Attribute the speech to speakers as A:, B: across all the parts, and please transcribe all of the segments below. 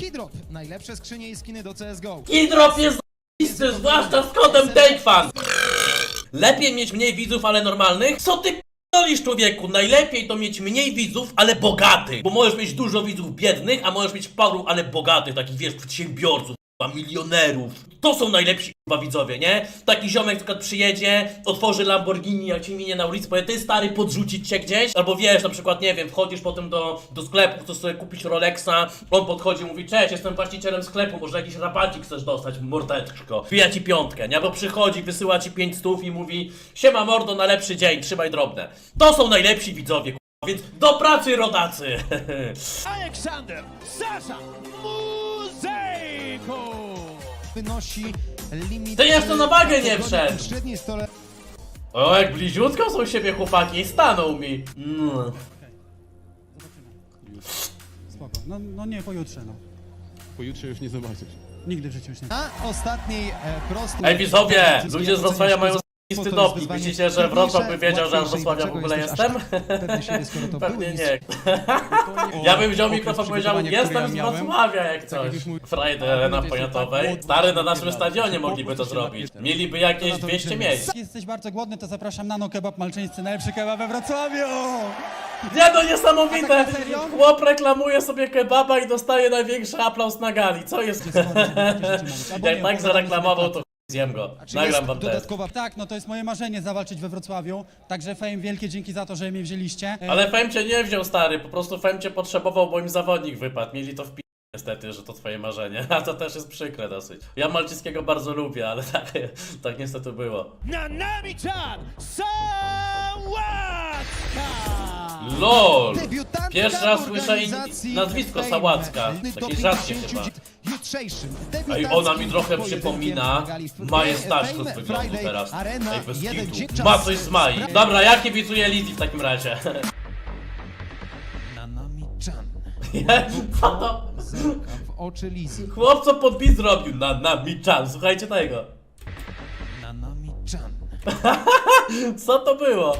A: Keydrop. Najlepsze skrzynie i skiny do CSGO.
B: Keydrop jest z***isty, zwłaszcza z kodem TakeFan. Lepiej mieć mniej widzów, ale normalnych? Co ty p***olisz, człowieku? Najlepiej to mieć mniej widzów, ale bogatych. Bo możesz mieć dużo widzów biednych, a możesz mieć paru, ale bogatych, takich wiesz, przedsiębiorców, milionerów. To są najlepsi widzowie, nie? Taki ziomek na przykład przyjedzie, otworzy Lamborghini, jak ci minie na ulicy, powie, ty stary, podrzucić cię gdzieś? Albo wiesz, na przykład, nie wiem, wchodzisz potem do sklepu, chcesz sobie kupić Rolexa, on podchodzi, mówi, cześć, jestem właścicielem sklepu, może jakiś rabacik chcesz dostać, mordeczko. Wbija ci piątkę, nie? Albo przychodzi, wysyła ci 500 i mówi, siema mordo, na lepszy dzień, trzymaj drobne. To są najlepsi widzowie, więc do pracy, rodacy!
C: Aleksander Sasza Muzejko!
A: Wynosi limit...
B: Ty jeszcze na wagę nie wszedł!
A: W średniej stole...
B: O, jak bliziutko są siebie chłopaki i stanął mi.
D: Spoko. No nie, pojutrze, no.
E: Pojutrze już nie zobaczysz.
D: Nigdy w życiu już nie.
A: Na ostatniej prostej...
B: Ej widzowie, ludzie z Wrocławia mają
A: Spoko,
B: z***isty
A: to jest
B: doping.
A: wyzwanie
B: Myślicie, że Wrocław by wiedział, że ja z
A: łatwiejsze i
B: Wrocławia w
A: dlaczego
B: ogóle
A: jesteś aż
B: jestem?
A: tak pewny siebie, skoro to
B: Pewnie
A: były
B: nie. Ja bym wziął mikrofon i powiedział, jestem z Wrocławia jak coś. Friday Arena Poniatowej. Stary, na naszym stadionie mogliby to zrobić. Mieliby jakieś 200 miejsc.
D: Jak jesteś bardzo głodny, to zapraszam na Kebab Malczyńscy, najlepszy kebab we Wrocławiu!
B: Nie no, niesamowite!
D: A tak na serio?
B: Chłop reklamuje sobie kebaba i dostaje największy aplauz na gali. Co jest? Jak tak zareklamował, to zjem go.
A: Czy
B: Nagram
A: jest
B: wam test.
A: dodatkowa...
D: Tak, no to jest moje marzenie zawalczyć we Wrocławiu, także Fame, wielkie dzięki za to, że mnie wzięliście.
B: Ale Fem cię nie wziął, stary, po prostu Fem cię potrzebował, bo im zawodnik wypadł. Mieli to w niestety, że to twoje marzenie, a to też jest przykre dosyć. Ja Malczyńskiego bardzo lubię, ale tak niestety było.
C: Nanami-chan Sałatka!
B: LOL!
A: Debiutantka
B: Pierwszy raz
A: w
B: słyszę
A: organizacji
B: nazwisko
A: Fame.
B: Sałacka. Takie
A: Doping
B: rzadkie
A: 10
B: chyba.
A: jutrzejszym
B: Ej,
A: debiutanckim
B: ona mi trochę
A: pojedynkiem
B: przypomina
A: na gali
B: Majestaczko z
A: Fame
B: wyglądu
A: Friday
B: teraz.
A: Arena,
B: Ej, bez
A: jeden
B: kitu.
A: dzień
B: Ma
A: czas.
B: coś z Mai. Dobra, ja kibicuję Lizzy w takim razie.
A: Nanami-chan.
B: Co to?
A: Zerka w oczy Lizy.
B: Chłop co podpis zrobił na Michan, słuchajcie tego.
A: Nanami-chan.
B: Co to było?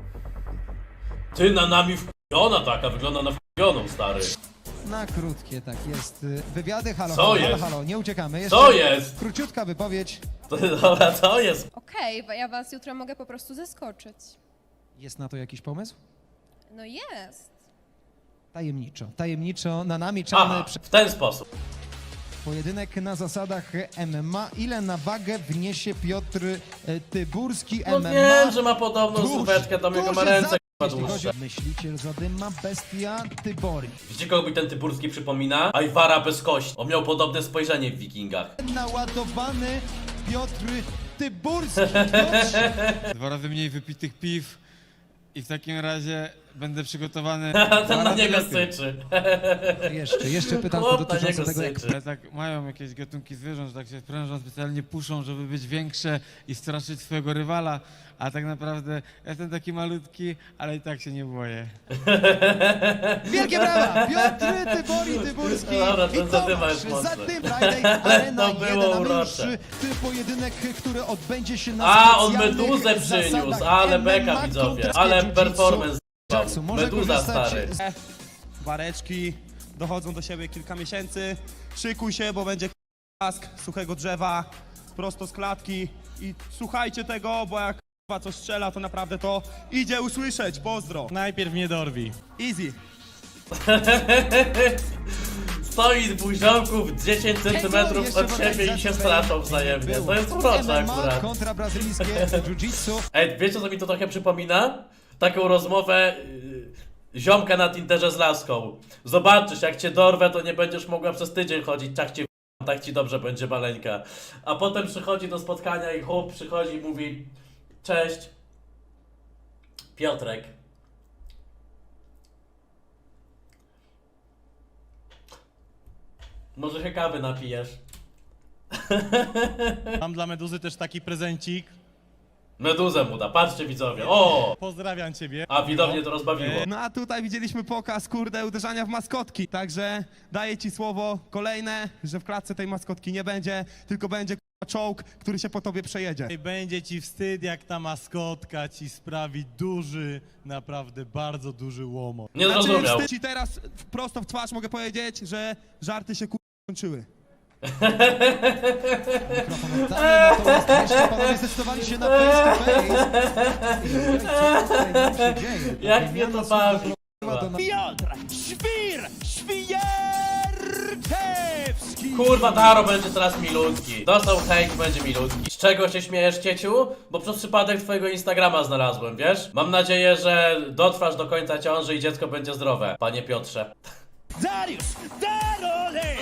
B: Ty na nami wkupiona taka, wygląda na wkupioną, stary.
A: Na krótkie, tak jest. Wywiady, halo,
B: Co
A: halo,
B: jest?
A: halo, nie uciekamy. Jeszcze
B: Co jest?
A: króciutka wypowiedź.
B: Dobra, co jest?
F: Okej, bo ja was jutro mogę po prostu zaskoczyć.
A: Jest na to jakiś pomysł?
F: No jest.
A: Tajemniczo. Tajemniczo Nanami-chan
B: Aha, w ten sposób.
A: pojedynek na zasadach MMA. Ile na wagę wniesie Piotr Tyburski
B: No
A: MMA?
B: wiem, że ma podobną sylwetkę, tam jego ma ręce chyba
A: Jeśli chodzi
B: dłuższe.
A: o myśliciel zadyma, bestia Tybori.
B: Widzicie, kogo mi ten Tyburski przypomina? Ajwara bez kości. On miał podobne spojrzenie w Wikingach.
A: Naładowany Piotr Tyburski. Piotrze,
E: 2 razy mniej wypitych piw i w takim razie będę przygotowany.
B: Ten na
E: 2 razy
B: niego
E: lepiej.
B: syczy.
A: jeszcze pytanko
B: Chłop na
A: dotyczące
B: niego
A: tego, jak
B: syczy.
E: Ale tak mają jakieś gatunki zwierząt, że tak się sprężą, specjalnie puszą, żeby być większe i straszyć swojego rywala, a tak naprawdę ja jestem taki malutki, ale i tak się nie boję.
A: Wielkie brawa! Piotr Tybori Tyburski
B: Dobra, ten
A: i
B: zadyma jest
A: Tomasz
B: mocny.
A: Zadym Friday Arena
B: To było
A: 1, a my już
B: urocze.
A: pojedynek, który odbędzie się na
B: A, on
A: specjalnych
B: meduzę przyniósł,
A: zasadach
B: ale
A: MMA
B: beka widzowie,
A: kontra
B: ale
A: jiu-jitsu.
B: performance.
A: Jackson może
B: Meduza
A: korzystać
B: stary.
G: Bareczki dochodzą do siebie kilka miesięcy. Szykuj się, bo będzie kask suchego drzewa prosto z klatki i słuchajcie tego, bo jak co strzela, to naprawdę to idzie usłyszeć. Pozdro.
C: Najpierw mnie dorwi.
G: Easy.
B: Stoi dwóch ziomków 10 cm
A: Jeszcze
B: od
A: w
B: siebie i się
A: organizacji
B: straszą wzajemnie.
A: było
B: To jest urocze
A: MMA
B: akurat.
A: kontra brazylijskie jiu-jitsu.
B: Ej, wiecie co mi to trochę przypomina? Taką rozmowę ziomka na Tinderze z laską. Zobaczysz, jak cię dorwę, to nie będziesz mogła przez tydzień chodzić, tak ci dobrze będzie maleńka. A potem przychodzi do spotkania i chłop przychodzi i mówi: cześć, Piotrek. Może się kawy napijesz?
C: Mam dla Meduzy też taki prezencik.
B: Meduzę mu da, patrzcie widzowie, o!
C: Pozdrawiam ciebie.
B: A widownie to rozbawiło.
G: No a tutaj widzieliśmy pokaz, kurde, uderzania w maskotki. Także daję ci słowo kolejne, że w klatce tej maskotki nie będzie, tylko będzie czołg, który się po tobie przejedzie.
C: I będzie ci wstyd, jak ta maskotka ci sprawi duży, naprawdę bardzo duży łomot.
B: Nie zrozumiał.
G: wstyd ci teraz prosto w twarz mogę powiedzieć, że żarty się Kończyły.
A: Mikrofon oddany, natomiast jeszcze panowie zdecydowali się na face to face. Co tutaj nam się dzieje? Ta
B: Jak mnie
A: wymiana
B: to
A: słów
B: bawi,
A: doprowadziła do
G: Piotr Świerczewski!
B: Kurwa, Taro będzie teraz milutki. Dostał hejt, będzie milutki. Z czego się śmiejesz, cieciu? Bo przez przypadek twojego Instagrama znalazłem, wiesz? Mam nadzieję, że dotrwasz do końca ciąży i dziecko będzie zdrowe, panie Piotrze.
G: Dariusz Darolek!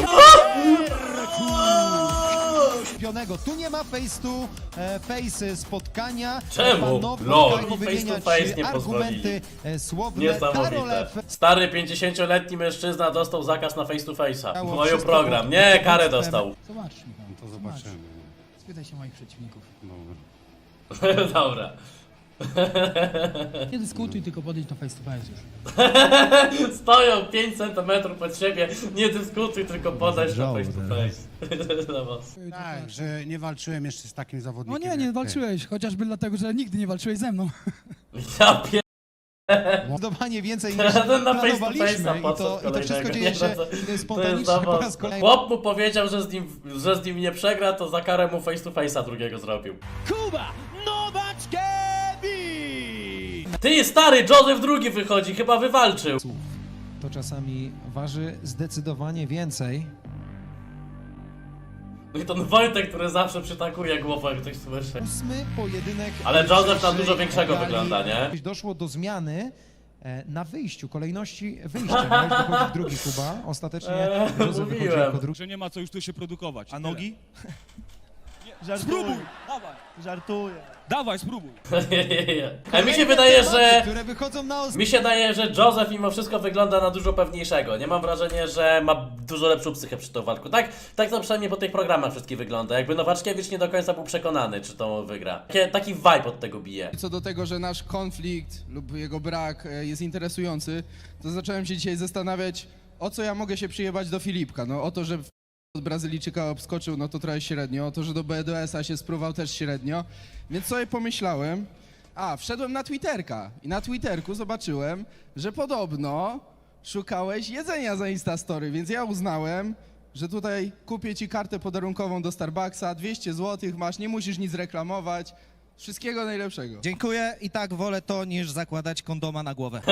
A: Pionego. Tu nie ma face to face spotkania.
B: Czemu?
A: Panowie
B: Lol,
A: mogą
B: face to
A: wymieniać
B: face nie
A: argumenty słowne.
B: Niesamowite.
A: Karolew
B: Stary 50-letni mężczyzna dostał zakaz na face to face'a.
A: Dało
B: Moją
A: wszystko
B: program.
A: pod
B: Nie, karę
A: dowództwem.
B: dostał.
D: Zobacz, Michał.
H: To zobaczymy.
D: Spytaj się moich przeciwników.
B: Dobra.
D: Nie dyskutuj, tylko podejdź na face to face już.
B: Stoją 5 cm pod siebie. Nie dyskutuj, tylko podejdź na face to face. Dla was.
H: Tak, że nie walczyłem jeszcze z takim
D: No
H: zawodnikiem.
D: nie,
H: jak
D: nie
H: ty.
D: walczyłeś, chociażby dlatego, że nigdy nie walczyłeś ze mną.
B: Ja pier...
A: Zdecydowanie więcej niż
B: Ten na face to
A: planowaliśmy
B: face'a
A: i
B: podszedł
A: to wszystko
B: kolejnego.
A: dzieje
B: Nie,
A: się
B: no to jest
A: spontanicznie
B: za
A: po raz
B: mocne.
A: kolejny.
B: Chłop mu powiedział, że z nim nie przegra, to za karę mu face to face'a drugiego zrobił.
G: Kuba Nowaczkiewicz!
B: Ty, stary, Joseph II wychodzi, chyba wywalczył.
A: To czasami waży zdecydowanie więcej.
B: No i ten Wojtek, który zawsze przytakuje głową, jak ktoś słyszy.
A: 8. pojedynek.
B: Ale Joseph na
A: dzisiejszej
B: dużo większego
A: gali.
B: wygląda, nie?
A: Doszło do zmiany na wyjściu, kolejności wyjścia. Miałeś dochodzić drugi Kuba. Ostatecznie Józef wychodzi
B: mówiłem.
A: jako drugi.
I: Że nie ma co już tu się produkować.
G: A nogi?
I: Spróbuj!
G: Dawaj! Żartuję.
I: Dawaj, spróbuj!
B: A mi się wydaje, że...
A: Które wychodzą na
B: Mi się daje, że Joseph mimo wszystko wygląda na dużo pewniejszego. Nie mam wrażenia, że ma dużo lepszą psychę przy tym walku. Tak to przynajmniej po tych programach wszystkich wygląda. Jakby Nowaczkiewicz nie do końca był przekonany, czy to wygra. Taki vibe od tego bije.
J: Co do tego, że nasz konflikt lub jego brak jest interesujący, to zacząłem się dzisiaj zastanawiać, o co ja mogę się przyjebać do Filipka. No o to, że od Brazylijczyka obskoczył, no to trochę średnio. O to, że do BDS-a się spróbował też średnio. Więc sobie pomyślałem, wszedłem na Twitterka i na Twitterku zobaczyłem, że podobno szukałeś jedzenia za Instastory, więc ja uznałem, że tutaj kupię ci kartę podarunkową do Starbucksa, 200 zł masz, nie musisz nic reklamować. Wszystkiego najlepszego.
K: Dziękuję i tak wolę to, niż zakładać kondoma na głowę.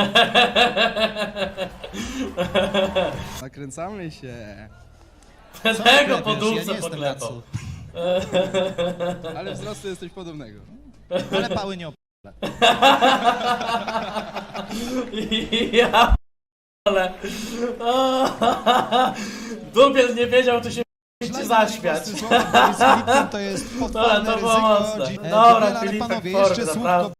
J: Nakręcamy się.
B: Tego po
A: Ja
B: dupce
A: nie jestem
B: poklepał.
J: Ale wzrostu jesteś podobnego.
K: Ale pały nie
B: Ja ale Dubiel nie wiedział, czy się zaśmiać.
A: To jest
B: Dobra,
A: potworne
B: to było
A: ryzyko.
B: mocne.
A: Dobra,
B: Dobra,
A: ale
B: Filipek
A: panowie,
B: Fork,
A: jeszcze słówko
B: naprawdę.